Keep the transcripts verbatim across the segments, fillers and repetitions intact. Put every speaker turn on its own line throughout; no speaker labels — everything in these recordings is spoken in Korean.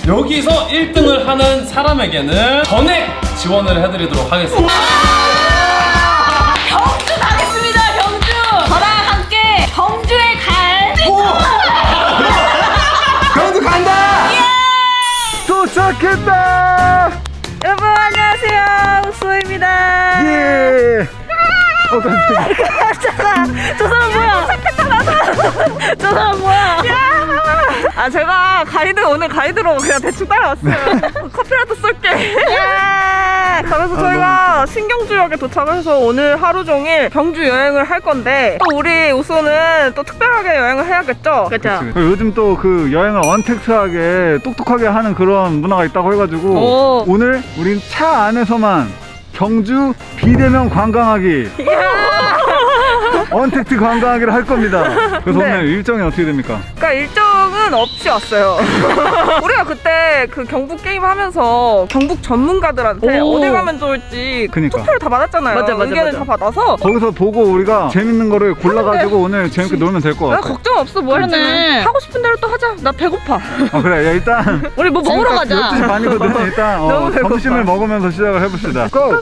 여기서 일 등을 하는 사람에게는 전액 지원을 해드리도록 하겠습니다.
경주 가겠습니다. 경주. 저랑 함께 경주에 갈.
경주 간다.
예!
도착했다.
여러분 안녕하세요. 우수입니다.
예. 어, 깜짝이야.
깜짝아. 저 사람 뭐야? 저 사람 뭐야? 야! 아 제가 가이드 오늘 가이드로 그냥 대충 따라왔어요. 커피라도 쏠게. 야! 그래서 저희가 신경주역에 도착을 해서 오늘 하루 종일 경주 여행을 할 건데 또 우리 우수는 또 특별하게 여행을 해야겠죠? 그렇죠.
요즘 또 그 여행을 언택트하게 똑똑하게 하는 그런 문화가 있다고 해가지고
오.
오늘 우린 차 안에서만 경주 비대면 관광하기 언택트 관광하기를 할 겁니다. 그래서
네.
오늘 일정이 어떻게 됩니까?
그러니까 일정은 없이 왔어요. 우리가 그때 그 경북 게임 하면서 경북 전문가들한테
오.
어디 가면 좋을지
그니까.
투표를 다 받았잖아요.
맞아, 맞아,
의견을
맞아.
다 받아서
거기서 보고 우리가 재밌는 거를 골라가지고 오늘 재밌게 놀면 될 것
나
같아.
걱정 없어. 뭐
그러네.
할지는 하고 싶은 대로 또 하자. 나 배고파.
아, 그래. 야, 일단
우리 뭐 먹으러
지금까지
가자.
열두 시 반이거든. 일단 어,
너무 배고파.
점심을 먹으면서 시작을 해봅시다. 고!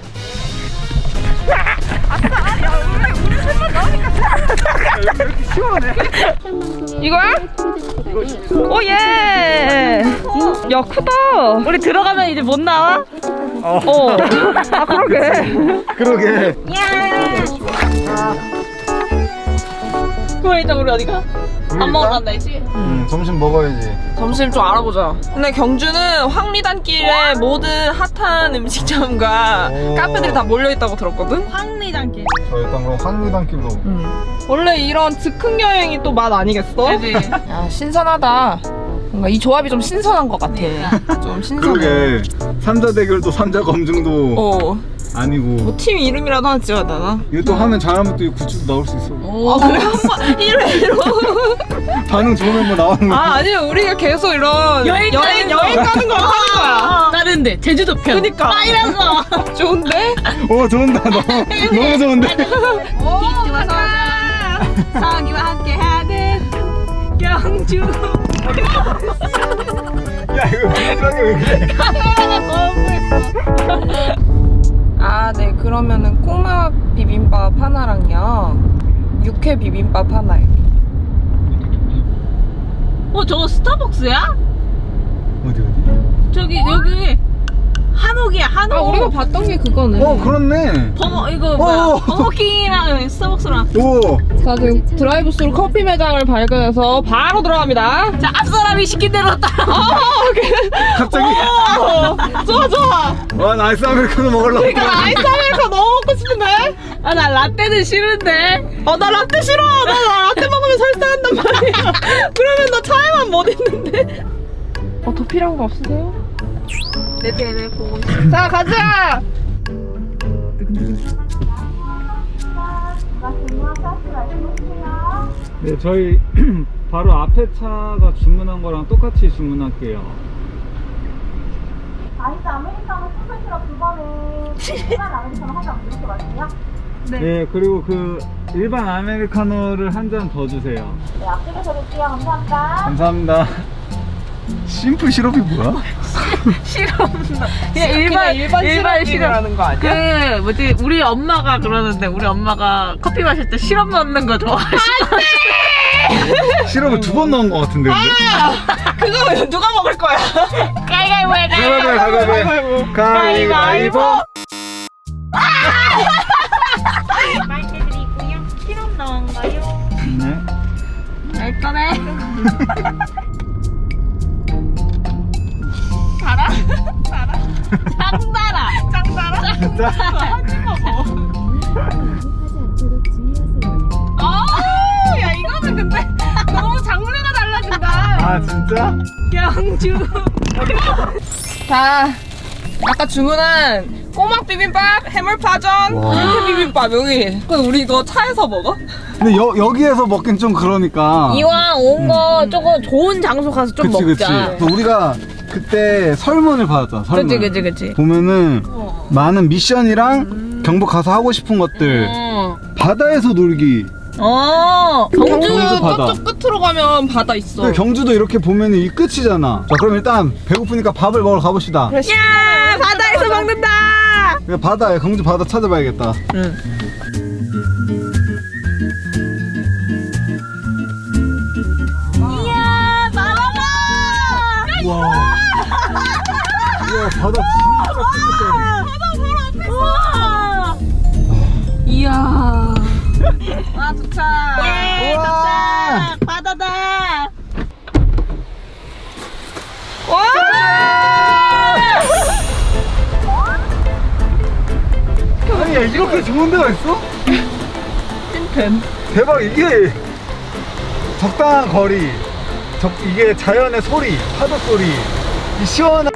이거야? 오 예. 야 크다.
우리 들어가면 이제 못 나와?
어.
어. 아 그러게.
그러게.
그럼 일단 우리 어디 가? 밥 먹으러 간다 했지?
음, 점심 먹어야지.
점심 좀 알아보자. 근데 경주는 황리단길에 모든 핫한 음식점과
오.
카페들이 다 몰려있다고 들었거든?
황리단길.
자, 일단 그럼 황리단길로.
원래 이런 즉흥 여행이 또 맛 아니겠어?
그지?
야 신선하다. 뭔가 이 조합이 좀 신선한 것 같아. 좀 신선해.
그러게. 삼자 대결도 삼자 검증도
어.
아니고.
뭐 팀 이름이라도 하나 지어야 되나?
이거 또 하면 잘하면 또 굿즈도 나올 수 있어.
오.
아 그래? 한번 일 회로.
반응 좋으면 뭐 나오는 거야.
아 아니요 우리가 계속 이런
여행
여행,
가는 거.
여행 가는 걸 하는 거야.
다른데 제주도 편.
그니까.
아 이래서.
좋은데?
오, 좋은다. 너무, 너무 좋은데.
좋아서 사기와 함께 하는 경주.
야, 이거 비슷하게 왜 그래?
아, 네. 그러면은 꼬막 비빔밥 하나랑요. 육회 비빔밥 하나요.
어 저거 스타벅스야?
어디, 어디?
저기 여기 한옥이야 한옥.
아, 우리가 봤던 게 그거네.
어, 그렇네.
버거 이거 뭐야?
어.
버거킹이랑 스타벅스랑.
오.
자, 지금 드라이브스루 커피 매장을 발견해서 바로 들어갑니다.
자 앞사람이 시킨 대로 따라.
갑자기.
어, 좋아, 좋아.
와, 나이스 아메리카노 먹으려고.
그러니까 아이스 아메리카 너무 먹고 싶은데?
아 나 라떼는 싫은데.
어, 나 라떼 싫어. 나, 나 라떼 먹으면 설사한단 말이야. 그러면 나 차에만 못 있는데. 어, 더 필요한 거 없으세요?
네네네 보고 있어.
자, 가자!
네, 저희 바로 앞에 차가 주문한 거랑 똑같이 주문할게요.
아이스 아메리카노 초콜 시럽 두 번에 일반 아메리카노 한 잔 이렇게 마실게요.
네. 그리고 그 일반 아메리카노를 한 잔 더 주세요.
네, 앞쪽에서 드릴게요. 감사합니다.
감사합니다. 심플 시럽이 뭐야?
그냥 일반
일반
일반
시럽이라는 거 아니야?
그 뭐지 우리 엄마가 그러는데 우리 엄마가 커피 마실 때 시럽 넣는 거 좋아하시더라고.
시럽을 두 번 넣은 것 같은데 근데?
그거 누가 먹을 거야?
가위가위보 해
가위바위보 가위바위보.
말씀드리고요. 시럽 넣은가요?
네.
알 거네. 짱달아. 짱달아.
진짜?
아, 야, 이거는 근데 너무 장르가 달라진다.
아, 진짜?
경주. 자, 아까 주문한 꼬막 비빔밥, 해물파전,
와.
육회 비빔밥 여기. 그건 우리 이거 차에서 먹어?
근데 여, 여기에서 먹긴 좀 그러니까.
이왕 온 거 조금 좋은 장소 가서 좀
그치, 그치.
먹자.
또 우리가 그때 설문을 받았잖아, 설문.
그치 그치 그치.
보면은 많은 미션이랑 경북 가서 하고 싶은 것들,
어.
바다에서 놀기
어 경주
경주 바다.
저쪽 끝으로 가면 바다 있어.
근데 경주도 이렇게 보면 이 끝이잖아. 자, 그럼 일단 배고프니까 밥을 먹으러 가봅시다.
야 바다에서 먹는다.
그냥 바다에 경주 바다 찾아봐야겠다.
응.
이야 바다다.
와. 이야, 바다 진짜 깨끗해.
우와. 이야.
와 도착.
예
우와.
도착. 바다다. 와.
아니, 야, 이렇게 좋은 데가 있어?
찐팬.
대박. 이게 적당한 거리, 적, 이게 자연의 소리, 파도 소리, 이 시원한.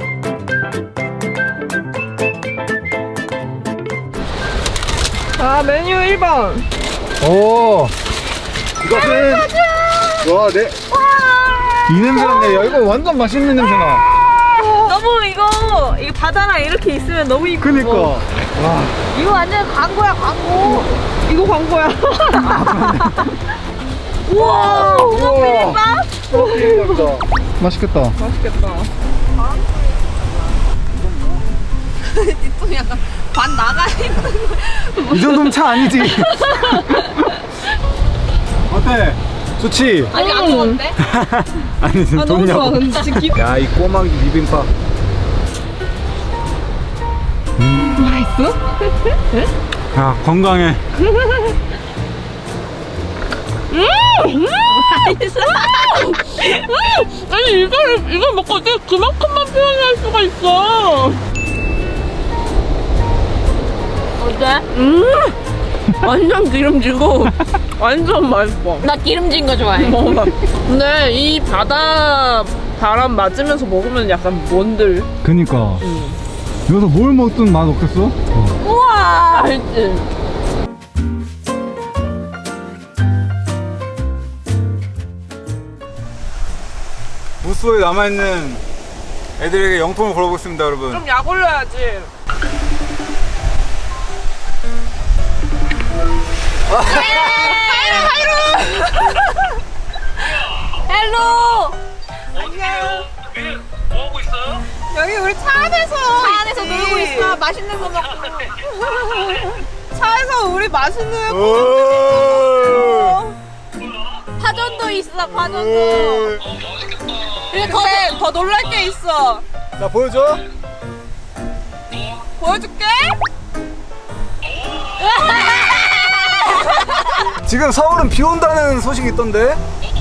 아 메뉴 일 번.
오, 이것은 와, 내, 이 냄새나네. 야, 이거 완전 맛있는 냄새나.
너무 이거 이거 바다랑 이렇게 있으면 너무 이쁘고.
그니까. 와,
이거 완전 광고야 광고. 이거 광고야. 우와.
우와. 비빔밥. 맛있겠다.
맛있겠다. 또 약간 반 나가 있는.
이 정도면 차 아니지. 어때? 좋지?
아니 안 먹었대?
아니, 지금 돈이냐고.
근데 지금 기...
야, 이 꼬막이 비빔밥.
맛있어?
야, 건강해.
맛있어. 아니 이걸 이걸 먹고 어떻게 그만큼만 표현할 수가 있어? 어때? 음 완전 기름지고 완전 맛있어. 나 기름진 거 좋아해. 근데 이 바다 바람 맞으면서 먹으면 약간 뭔들.
그니까. 여기서 뭘 먹든 맛 없겠어? 어.
우와 맛있지.
무수에 남아있는 애들에게 영통을 걸어보겠습니다, 여러분.
좀 약 올려야지. 헬로. 안녕.
뭐하고 있어요?
여기 우리 차 안에서 차 안에서 놀고 있어. 맛있는 거 먹고. 차에서 우리 맛있는 거.
오!
파전도 있어. 파전도. 근데 더, 더 놀랄 게 있어.
자, 보여줘.
보여줄게.
지금 서울은 비 온다는 소식이 있던데?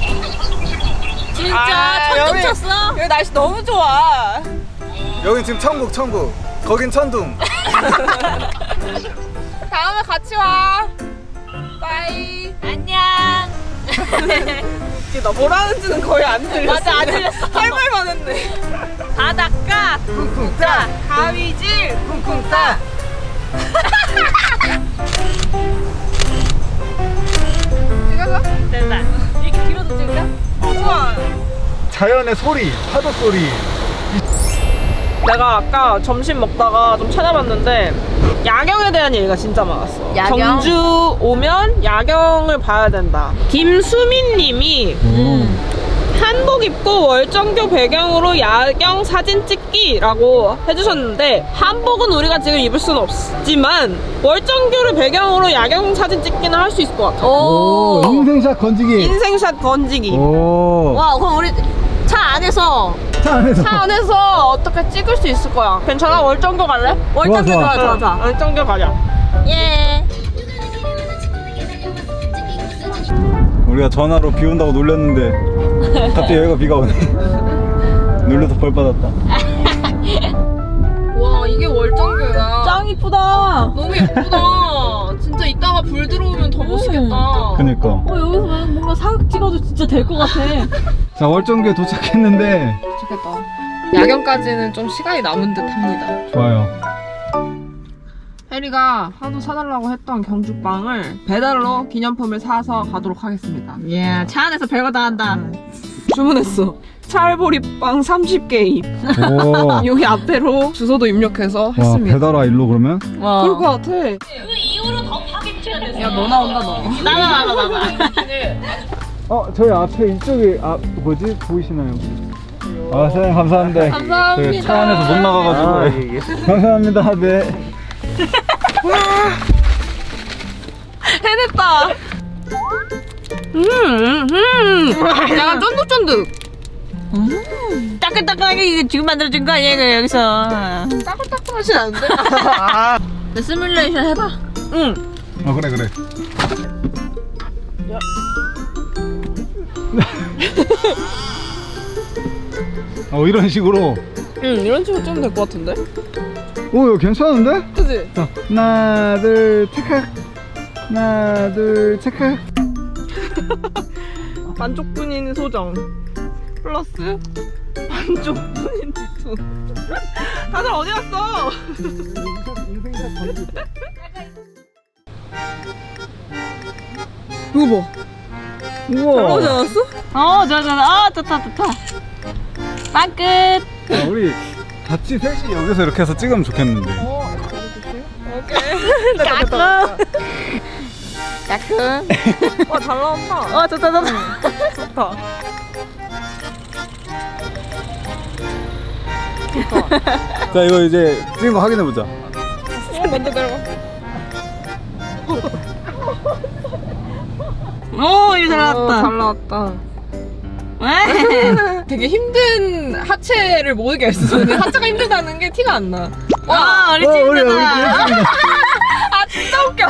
진짜
아,
천둥
여기-
쳤어? 여기 날씨 너무 좋아.
여긴 지금 천국, 천국. 거긴 천둥.
다음에 같이 와. 빠이. 안녕. 나 뭐라는지는 거의 안 들렸어. 맞아, 안 들렸어. 할 말만 했네. 바닷가 쿵쿵 따. 가위질 쿵쿵 따. 찍어서? 됐다. 이렇게 뒤로도 찍을까? 우와.
자연의 소리, 파도 소리.
내가 아까 점심 먹다가 좀 찾아봤는데 야경에 대한 얘기가 진짜 많았어.
야경?
경주 오면 야경을 봐야 된다. 김수민 님이 한복 입고 월정교 배경으로 야경 사진 찍기라고 해주셨는데, 한복은 우리가 지금 입을 수는 없지만 월정교를 배경으로 야경 사진 찍기는 할 수 있을 것 같아.
오, 인생샷 건지기.
인생샷 건지기.
오.
와 그럼 우리 차 안에서
차 안에서.
차 안에서 어떻게 찍을 수 있을 거야. 괜찮아? 월정교 갈래?
월정교
좋아,
좋아 좋아 좋아.
월정교 가자.
예.
우리가 전화로 비 온다고 놀렸는데 갑자기 여기가 비가 오네. 놀려서 벌 받았다.
와 이게 월정교야.
짱 이쁘다.
너무 예쁘다. 진짜 이따가 불 들어오면 더 멋있겠다.
그니까.
어 여기서 뭔가 사극 찍어도 진짜 될 것 같아.
자, 월정교에 도착했는데
좋겠다. 야경까지는 좀 시간이 남은 듯 합니다.
좋아요.
혜리가 하도 사달라고 했던 경주빵을 배달로 기념품을 사서 가도록 하겠습니다.
예. 차 안에서 별거 다 한다.
주문했어. 찰보리빵 삼십 개입.
오.
여기 앞에로 주소도 입력해서
와,
했습니다.
배달와 일로 그러면?
와.
그럴 것 같아.
그 이후로 더 파겠죠?
야, 너 나온다, 너. 나가, 나가, 나가.
어, 저희 앞에 이쪽에 아 뭐지 보이시나요? 아, 사장님 감사합니다. 감사합니다. 차 안에서 못 나가가지고. 아, 예, 예. 감사합니다. 네.
해냈다. 음, 음. 약간 쫀득쫀득.
음. 따끈따끈하게 이거 지금 만들어준 거 아니야, 이거 여기서.
따끈따끈하진 않은데?
내 시뮬레이션 해봐.
응.
어, 그래 그래. 어, 이런 식으로.
응, 이런 식으로 좀 될 것 같은데?
오, 이거 괜찮은데?
그치?
자, 하나, 둘, 체크. 하나, 둘, 체크.
반쪽뿐인 소정 플러스 반쪽뿐인 뒤투. 다들 어디 갔어? 이거 봐.
우와.
나오지 않았어?
어, 좋아, 좋아. 어, 좋다, 좋다. 빵 끝.
야, 우리 같이 셋이 여기서 이렇게 해서 찍으면 좋겠는데.
오케이. 됐다, 됐다.
따끔.
와, 잘 나온다.
어, 좋다, 좋다.
좋다.
자, 이거 이제 찍은 거 확인해 보자.
먼저 내려가.
오, 이거 잘
어,
나왔다.
잘 나왔다.
왜?
되게 힘든 하체를 모르게 했어. 근데 하체가 힘들다는 게 티가 안 나.
와, 우리
어,
팀
우리 여기
다
찍었습니다.
아, 진짜 웃겨.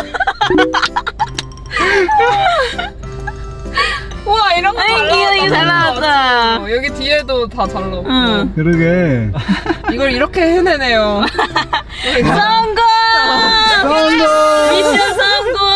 우와, 이런 거 잘
아이,
나왔다.
이거 잘 나왔다.
어, 여기 뒤에도 다 잘 나왔고.
응.
그러게.
이걸 이렇게 해내네요.
성공!
성공!
미션 성공!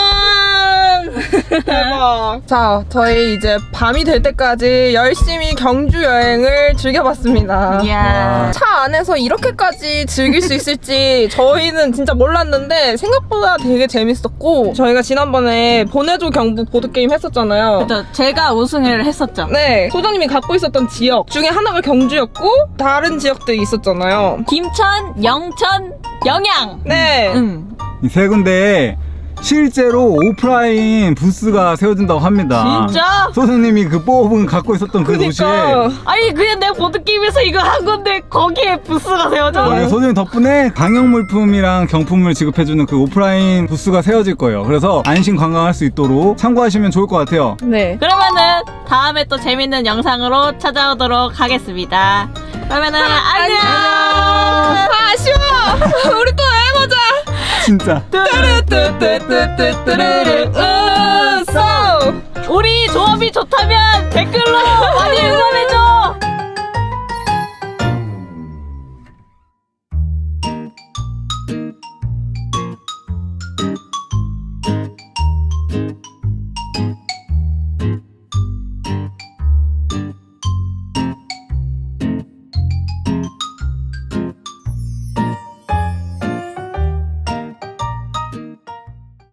대박. 자, 저희 이제 밤이 될 때까지 열심히 경주 여행을 즐겨봤습니다.
이야.
차 안에서 이렇게까지 즐길 수 있을지 저희는 진짜 몰랐는데 생각보다 되게 재밌었고, 저희가 지난번에 보내줘 경북 보드게임 했었잖아요.
그쵸, 제가 우승을 했었죠.
네, 소장님이 갖고 있었던 지역 중에 하나가 경주였고 다른 지역들이 있었잖아요.
김천, 영천, 영양.
네.
응.
이 세 군데에 실제로 오프라인 부스가 세워진다고 합니다.
진짜?
소장님이 그 뽑은 갖고 있었던 그 도시에.
그러니까
아니 그냥 내가 보드게임에서 이거 한 건데 거기에 부스가 세워져.
네, 소장님 덕분에 방역 물품이랑 경품을 지급해주는 그 오프라인 부스가 세워질 거예요. 그래서 안심 관광할 수 있도록 참고하시면 좋을 것 같아요.
네.
그러면은 다음에 또 재밌는 영상으로 찾아오도록 하겠습니다. 그러면은 안녕.
아, 아쉬워. 우리 또 해보자.
진짜.
뚜루뚜뚜뚜뚜뚜루루 우소.
우리 조합이 좋다면 댓글로 많이 응원해줘.